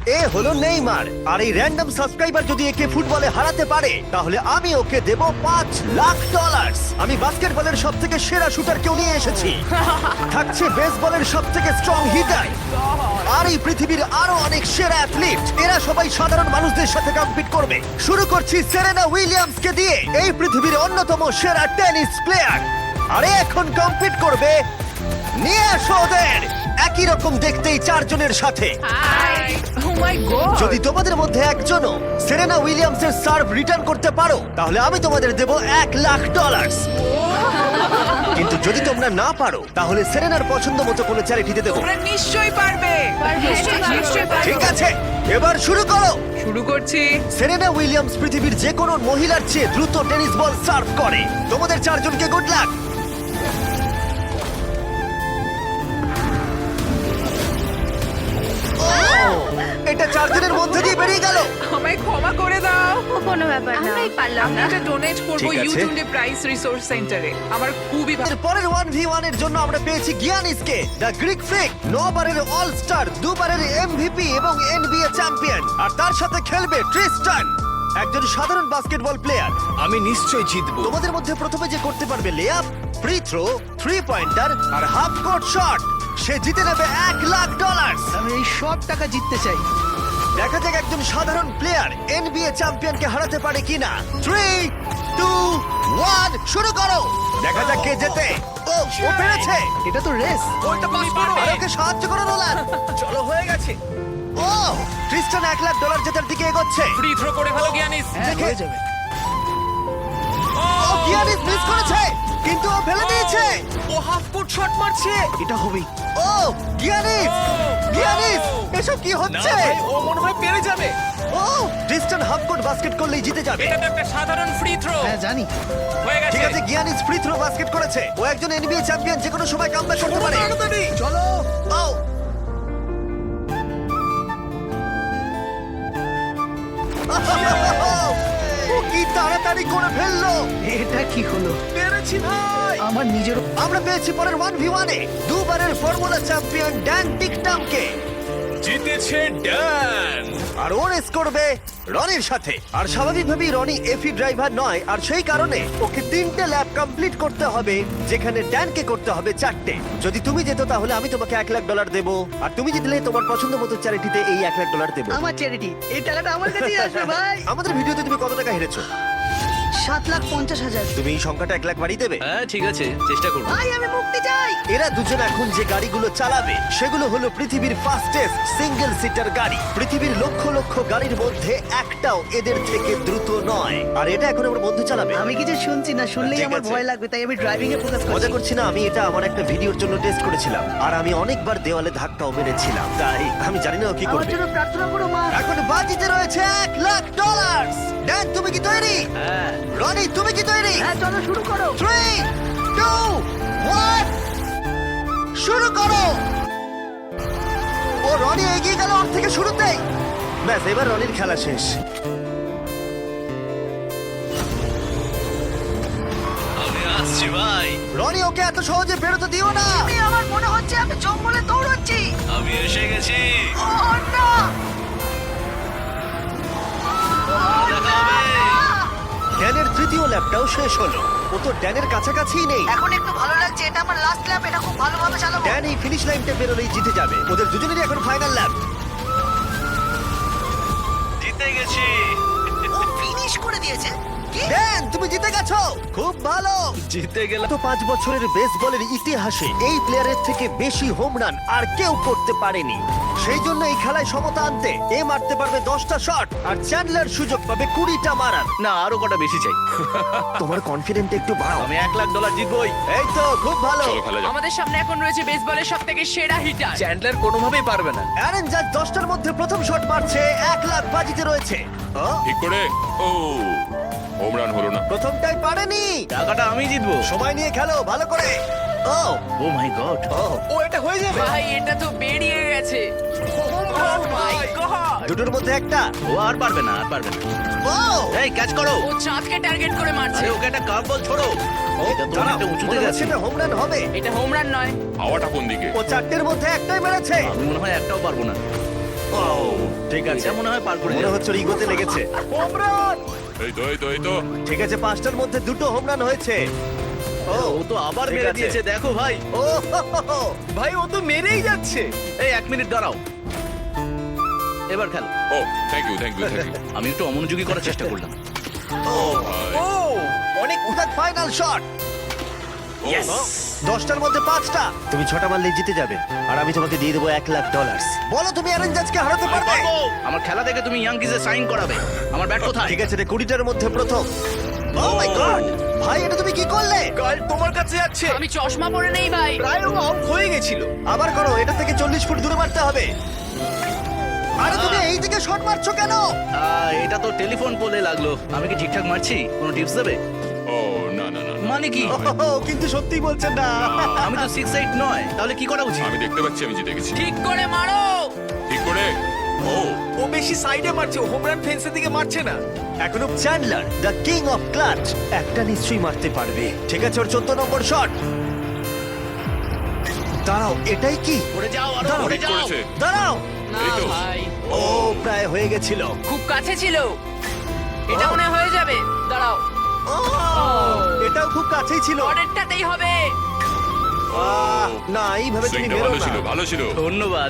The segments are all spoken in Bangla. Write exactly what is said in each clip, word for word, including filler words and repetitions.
এ হলো নেইমার, আর এই র্যান্ডম সাবস্ক্রাইবার যদি একে ফুটবলে হারাতে পারে তাহলে আমি ওকে দেব পাঁচ লাখ ডলার। আমি বাস্কেটবলের সব থেকে সেরা শুটারকেও নিয়ে এসেছি, থাকছে বেসবলের সব থেকে স্ট্রং হিটার, আর এই পৃথিবীর আরো অনেক সেরা অ্যাথলিট। এরা সবাই সাধারণ মানুষদের সাথে কম্পিট করবে। শুরু করছি সেরেনা উইলিয়ামস কে দিয়ে, এই পৃথিবীর অন্যতম সেরা টেনিস প্লেয়ার। আরে এখন কম্পিট করবে, নিয়ে আসো ওদের একই রকম দেখতেই চারজনের সাথে। হাই ও মাই গড যদি তোমাদের মধ্যে একজনও সেরেনা উইলিয়ামসের সার্ভ রিটার্ন করতে পারো তাহলে আমি তোমাদের দেব এক লাখ ডলার। কিন্তু যদি তোমরা না পারো তাহলে সেরেনার পছন্দ মতো কোনো চ্যারিটিতে দেবো। তোমরা নিশ্চয়ই পারবে নিশ্চয়ই পারবো। নিশ্চয়ই পারবে ঠিক আছে, এবার শুরু করো। শুরু করছি সেরেনা উইলিয়ামস পৃথিবীর যে কোনো মহিলার চেয়ে দ্রুত টেনিস বল সার্ভ করে। তোমাদের চারজনকে গুড লাক। এটা চারজনের মধ্যে দিয়ে বেরিয়ে গেল। আমায় ক্ষমা করে দাও কোনো ব্যাপার না আমরাই পারলাম আমি না এটা ডোনেট করব ঠিক আছে। ইউটিউবে প্রাইস রিসোর্স সেন্টারে আমার খুবই ভালো এর পরের ওয়ান ভি ওয়ান এর জন্য আমরা পেয়েছি গিয়ানিসকে, দ্য গ্রিক ফ্রিক, নবারের অল স্টার, দুবারের এমভিপি এবং এনবিএ চ্যাম্পিয়ন। আর তার সাথে খেলবে ট্রিস্টান, একজন সাধারণ বাস্কেটবল প্লেয়ার। আমি নিশ্চয়ই জিতবো। তোমাদের মধ্যে প্রথমে যে করতে পারবে layup, free throw, three pointer আর হাফ কোর্ট শট, সে জিতে নেবে এক লাখ ডলার। আমি এই সব টাকা জিততে চাই। দেখা যাক একজন সাধারণ প্লেয়ার এনবিএ চ্যাম্পিয়নকে হারাতে পারে কিনা। থ্রি টু ওয়ান শুরু করো। দেখা যাক কে জেতে। ও ও পেরেছে। এটা তো রেস। ওইটা পাস করো। আর ওকে সাহায্য করো নোলান। চলো হয়ে গেছে। ও ক্রিস্টান এক লাখ ডলার জেতার দিকে এগোচ্ছে। ফ্রি থ্রো করে ভালো জ্ঞানীস হ্যাঁ দেখে- হয়ে যাবে। ও গিয়ানিস মিস করেছে কিন্তু ও ফেলে দিয়েছে। ও হাফ ফুট শট মারছে এটা হবেই। ও গিয়ানিস গিয়ানিস এসব কি না হচ্ছে? ভাই ও মনে হয় পেরে যাবে ও ক্রিস্টান হাফ কোর্ট বাস্কেট করলেই জিতে যাবে। এটা তো একটা সাধারণ ফ্রি থ্রো হ্যাঁ জানি। হয়ে ঠিক গেছে আছে, গিয়ানিস ফ্রি থ্রো বাস্কেট করেছে। ও একজন এনবিএ চ্যাম্পিয়ন, যে কোনো সময় কামব্যাক করতে পারে। চলো। ও ও কি তাড়াতাড়ি করে ফেললো। এটা কি হলো? পেরেছি ভাই। আমার নিজের আমরা পেয়েছি পরের ওয়ান ভি ওয়ানে দুবারের ফর্মুলা চ্যাম্পিয়ন ড্যান টিকটামকে। জিতেছে ড্যান আর ও রেস করবে রনির সাথে। আর স্বাভাবিকভাবেই রনি এফি ড্রাইভার নয়, আর সেই কারণে ওকে তিনটে ল্যাব কমপ্লিট করতে হবে, যেখানে ড্যানকে করতে হবে চারটে। যদি তুমি যেত তাহলে আমি তোমাকে এক লাখ ডলার দেবো, আর তুমি জিতলে তোমার পছন্দ মতো চ্যারিটিতে এই এক লাখ ডলার দেবো। আমার চ্যারিটি। এই টাকাটা আমার কাছেই আসবে ভাই। আমাদের ভিডিওতে তুমি কত টাকা হেরেছো? সাত লাখ পঞ্চাশ হাজার। তুমি এই সংখ্যাটা এক লাখ বাড়িয়ে দেবে? হ্যাঁ ঠিক আছে চেষ্টা করব ভাই আমি মুক্তি চাই। এরা দুজন এখন যে গাড়িগুলো চালাবে সেগুলো হলো পৃথিবীর ফাস্টেস্ট সিঙ্গেল সিটার গাড়ি। পৃথিবীর লক্ষ লক্ষ গাড়ির মধ্যে একটাও এদের থেকে দ্রুত নয়। আর এটা এখন আমার বন্ধু চালাবে। আমি কিছু শুনছি না, শুনলেই ঠিক আমার আছে। ভয় লাগবে, তাই আমি ড্রাইভিং এ ফোকাস মজা করছি। করছি না, আমি এটা আমার একটা ভিডিওর জন্য টেস্ট করেছিলাম, আর আমি অনেকবার দেওয়ালে ধাক্কাও মেরেছিলাম, তাই আমি জানি না ও কি আমার করবে। জন্য প্রার্থনা করো মা। এখন বাজিতে রয়েছে এক লাখ ডলার। ড্যান তুমি কি তৈরি? হ্যাঁ রনি তুমি কি তৈরি? হ্যাঁ চলো শুরু করো। থ্রি টু ওয়ান শুরু করো। ও রনি এগিয়ে গেল ওর থেকে শুরুতেই। ব্যাস এবার রনির খেলা শেষ। আমি আসছি ভাই রনি ওকে এত সহজে বেরোতে দিও না। আমি আমার মনে হচ্ছে আমি জঙ্গলে দৌড়চ্ছি। আমি এসে গেছি ও না। ড্যানের তৃতীয় ল্যাপটাও শেষ হলো। ও তো ড্যানের কাছাকাছিই নেই। এখন একটু ভালো লাগছে, এটা আমার লাস্ট ল্যাপ, এটা খুব ভালোভাবে চালাবো। ড্যান এই ফিনিশ লাইনটা বেরোলেই জিতে যাবে। ওদের দুজনেরই এখন ফাইনাল ল্যাপ। জিতে গেছি ও ফিনিশ করে দিয়েছে। কি? ড্যান তুমি জিতে গেছো, খুব ভালো। জিতে গেলাম গত পাঁচ বছরের বেসবলের ইতিহাসে এই প্লেয়ারের থেকে বেশি হোম রান আর কেউ করতে পারেনি। সেই জন্য এই খেলায় সমতা আনতে এ মারতে পারবে দশটা শট, আর চ্যান্ডলার সুযোগ পাবে কুড়িটা মারার। না আরো কটা বেশি চাই তোমার কনফিডেন্ট একটু বাড়াও। আমি এক লাখ ডলার জিতবই এই তো খুব ভালো। আমাদের সামনে এখন রয়েছে বেসবলের সবথেকে সেরা হিটার চ্যান্ডলার কোনোভাবেই পারবে না অ্যারন জাজ দশটার মধ্যে প্রথম শট মারছে, এক লাখ বাজিতে রয়েছে। ও, ঠিক করে ও হোম রান হলো না। প্রথমটাই পারেনি। টাকাটা আমি জিতবো সময় নিয়ে খেলো ভালো করে। ও ও মাই গড ও ও এটা হয়ে যাবে ভাই এটা তো বেরিয়ে গেছে Oh my God! দুটোর মধ্যে একটা। ও আর পারবে না আর পারবে না ও এই ক্যাচ করো ও চাঁদকে টার্গেট করে মারছে আরে ওকে একটা কার্ভ বল ছোড়ো এটা তো দাঁড়াও, অনেকটা উঁচুতে মনে গেছে হচ্ছে এটা হোম রান হবে। এটা হোম রান নয় হাওয়াটা কোন দিকে? ও চারটের মধ্যে একটাই মেরেছে। আমি মনে হয় একটাও পারবো না ও ঠিক আছে এটা মনে হয় পার করে মনে যাবে। হচ্ছে ওর ইগোতে লেগেছে এই তো এই তো এই তো ঠিক আছে পাঁচটার মধ্যে দুটো হোম রান হয়েছে ও ও তো আবার ঠিক মেরে আছে। দিয়েছে দেখো ভাই। ও হো, হো, হো। ভাই ও তো মেরেই যাচ্ছে। এই এক মিনিট দাঁড়াও, এবার খেলো। ও thank you thank you thank you আমি একটু অমনোযোগী করার চেষ্টা করলাম। ও অনেক ফাইনাল শট Yes! দশটার মধ্যে পাঁচটা তুমি ছটা মারলে জিতে যাবে আর আমি তোমাকে দিয়ে দেবো এক লাখ ডলার বলো তুমি অ্যারন জাজকে হারাতে পারবে আমার খেলা দেখে তুমি ইয়াংকিজে সাইন করাবে। আমার ব্যাট কোথায়? ঠিক আছে রে কুড়িটার মধ্যে প্রথম ও মাই গড ভাই এটা তুমি কি করলে কাল তোমার কাছে যাচ্ছে। আমি চশমা পরে নেই ভাই। প্রায় ও আউট হয়ে গেছিল। আবার করো এটা থেকে চল্লিশ ফুট দূরে মারতে হবে আরে তুমি এই দিকে শট মারছো কেন আহ, এটা তো টেলিফোন পোলে লাগলো। আমি কি ঠিকঠাক মারছি? কোনো টিপস দেবে? ও না না না না। মানে কি? ও কিন্তু সত্যি বলছেন না আমি তো সিক্স এইট নয়, তাহলে কি করা উচিত? আমি দেখতে পাচ্ছি আমি জিতে গেছি ঠিক করে মারো। ঠিক করে ও ও বেশি সাইডে মারছে, হোম রান ফেন্সের দিকে মারছে না। এখনো Chandler the king of clutch একটা নিশ্চয়ই মারতে পারবে ঠিক আছে ওর চোদ্দ নম্বর শট দাঁড়াও এটাই কি পড়ে যাও, আরো দাঁড়াও, পড়ে ঠিক যাও। করেছে দাঁড়াও না এই তো। ভাই, ও প্রায় হয়ে গেছিল খুব কাছে ছিল। এটা ও। মনে হয় হয়ে যাবে। দাঁড়াও, ও, এটাও খুব কাছেই ছিল পরেরটাতেই হবে। আহ, না এইভাবে তুমি সুইংটা বেরো ভালো না ছিল ভালো ছিল ধন্যবাদ।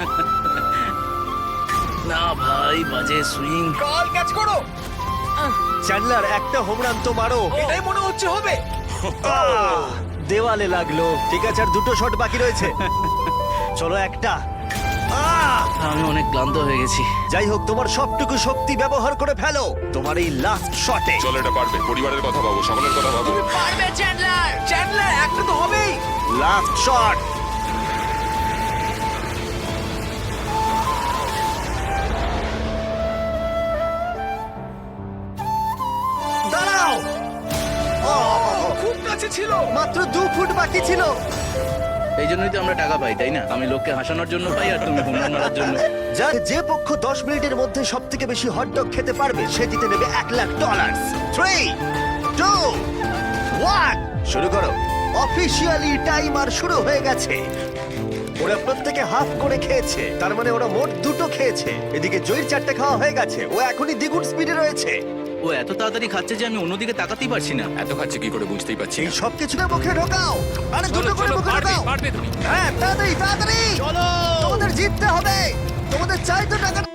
না ভাই, বাজে সুইং। কাল ক্যাচ করো, চ্যান্ডলার একটা হোম রান তো মারো এটাই মনে হচ্ছে হবে। আহ, দেওয়ালে লাগলো ঠিক আছে আর দুটো শট বাকি রয়েছে চলো একটা আহ, আমি অনেক ক্লান্ত হয়ে গেছি। যাই হোক তোমার সবটুকু শক্তি ব্যবহার করে ফেলো তোমার এই লাস্ট শটে চলো এটা পারবে পরিবারের কথা ভাবো সকলের কথা ভাবো পারবে চ্যান্ডলার। চ্যান্ডলার একটা তো হবেই। লাস্ট শট দাঁড়াও ও, খুব কাছে ছিল। মাত্র দু ফুট বাকি ছিল এই জন্যই তো আমরা টাকা পাই, তাই না? আমি লোককে হাসানোর জন্য পাই, আর তুমি হোম রান মারার জন্য। যার যে পক্ষ দশ মিনিটের মধ্যে সব থেকে বেশি হটডগ খেতে পারবে সে জিতে নেবে এক lakh dollar three two one শুরু করো অফিসিয়ালি টাইমার শুরু হয়ে গেছে ওরা প্রত্যেকে হাফ করে খেয়েছে তার মানে ওরা মোট দুটো খেয়েছে এদিকে জয়ের চারটে খাওয়া হয়ে গেছে ও এখনই দ্বিগুণ স্পিডে রয়েছে ও এত তাড়াতাড়ি খাচ্ছে যে আমি অন্যদিকে তাকাতেই পারছি না। এত খাচ্ছে কি করে বুঝতেই পারছি এই না সব কিছুকে মুখে ঢোকাও আরে দুটো করে মুখে ঢোকাও পারবে তুমি হ্যাঁ তাড়াতাড়ি তাড়াতাড়ি চলো। তোমাদের জিততে হবে তোমাদের চাই তো টাকা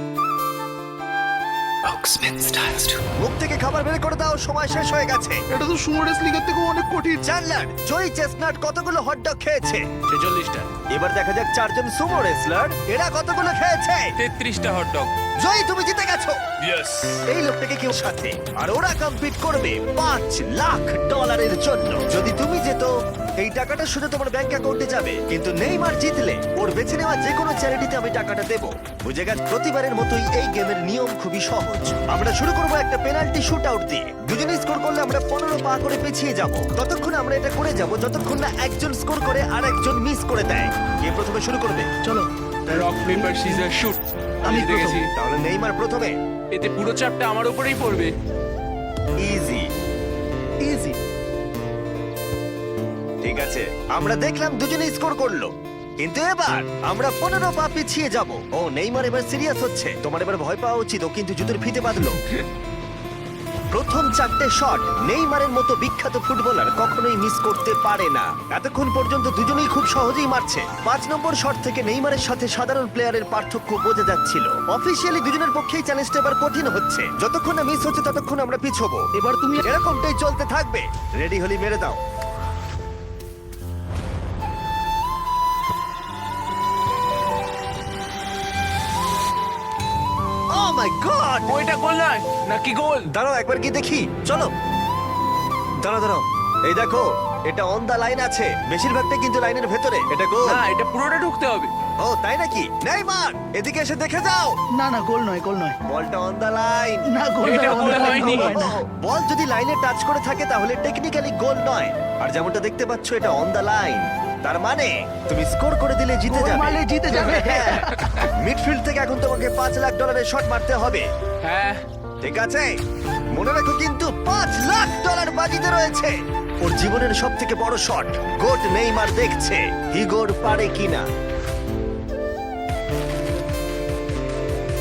মুখ থেকে খাবার বের করে দাও সময় শেষ হয়ে গেছে এটা তো সুমো রেসলিংয়ের থেকে অনেক কঠিন। চ্যান্ডলার জয়ী চেস্টনাট কতগুলো হটডগ খেয়েছে ছেচল্লিশটা। এবার দেখা যাক চারজন সুমো রেসলার এরা কতগুলো খেয়েছে তেত্রিশটা হটডগ জয়ী তুমি জিতে গেছো ইয়েস এই লোকটাকে কেউ সাথে আর ওরা কম্পিট করবে পাঁচ লাখ ডলারের জন্য যদি তুমি যেত এই টাকাটা শুধু তোমার ব্যাংক অ্যাকাউন্টে যাবে কিন্তু নেইমার জিতলে ওর বেছে নেওয়া যে কোনো চ্যারিটিতে আমি টাকাটা দেবো বুঝে গেছ প্রতিবারের মতোই এই গেমের নিয়ম খুবই সহজ আমরা শুরু করবো একটা পেনাল্টি শুট আউট দিয়ে দুজনে স্কোর করলে আমরা পনেরো পা করে পিছিয়ে যাব ততক্ষণ আমরা এটা করে যাব যতক্ষণ না একজন স্কোর করে আর একজন মিস করে দেয় কে প্রথমে শুরু করবে চলো রক পেপার সিজার শুট। আমি জিতে প্রথম। গেছি। তাহলে নেইমার প্রথমে এতে পুরো চাপটা আমার উপরেই পড়বে। ইজি ইজি ঠিক আছে আমরা দেখলাম দুজনে স্কোর করলো কিন্তু এবার আমরা পনেরো পা পিছিয়ে যাব ও নেইমার এবার সিরিয়াস হচ্ছে তোমার এবার ভয় পাওয়া উচিত ও কিন্তু জুতোর ফিতে বাঁধলো প্রথম চারটে শট নেইমারের মতো বিখ্যাত ফুটবলার কখনোই মিস করতে পারে না এতক্ষণ পর্যন্ত দুজনেই খুব সহজেই মারছে পাঁচ নম্বর শট থেকে নেইমারের সাথে সাধারণ প্লেয়ারের পার্থক্য বোঝা যাচ্ছিল অফিসিয়ালি দুজনের পক্ষেই চ্যালেঞ্জটা এবার কঠিন হচ্ছে যতক্ষণ না মিস হচ্ছে ততক্ষণ আমরা পিছবো এবার তুমি এরকমটাই চলতে থাকবে রেডি হলি মেরে দাও ও মাই গড ওইটা গোল নয় নাকি গোল? দাঁড়াও একবার কি দেখি চলো দাঁড়াও দাঁড়াও এই দেখো এটা অন দা লাইন আছে বেশিরভাগটা কিন্তু লাইনের ভেতরে এটা গোল না, এটা পুরোটা ঢুকতে হবে। ও তাই নাকি নেইমার এদিকে এসে দেখে যাও না না গোল নয় গোল নয় বলটা অন দা লাইন না গোল এটা নয়, গোল গোল হয়নি। হয় না। বল যদি লাইনে টাচ করে থাকে তাহলে টেকনিক্যালি গোল নয় আর যেমনটা দেখতে পাচ্ছ এটা অন দা লাইন তার মানে তুমি স্কোর করে দিলে জিতে গোল যাবে মারলে জিতে যাবে। মিডফিল্ড থেকে এখন তোমাকে পাঁচ লাখ ডলারের শট মারতে হবে হ্যাঁ, ঠিক আছে মনে রাখো কিন্তু পাঁচ লাখ ডলার বাজিতে রয়েছে ওর জীবনের সব থেকে বড় শট গোট নেইমার দেখছে হিগোর পারে কিনা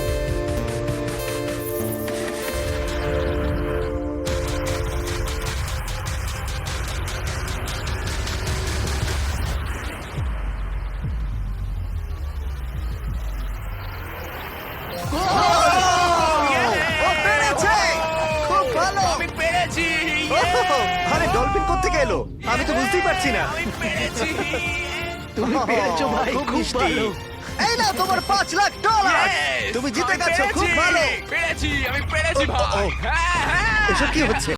এলো আমি তো বুঝতেই পারছি না তুমি পেরেছো ভাই, খুব খুব মিষ্টি। ভালো। এই না তোমার পাঁচ লাখ ডলার Yes! তুমি জিতে আমি গেছো খুব পেরেছি! ভালো পেরেছি আমি পেরেছি ও, ও, ও। ভাই হ্যাঁ হ্যাঁ এসব কি হচ্ছে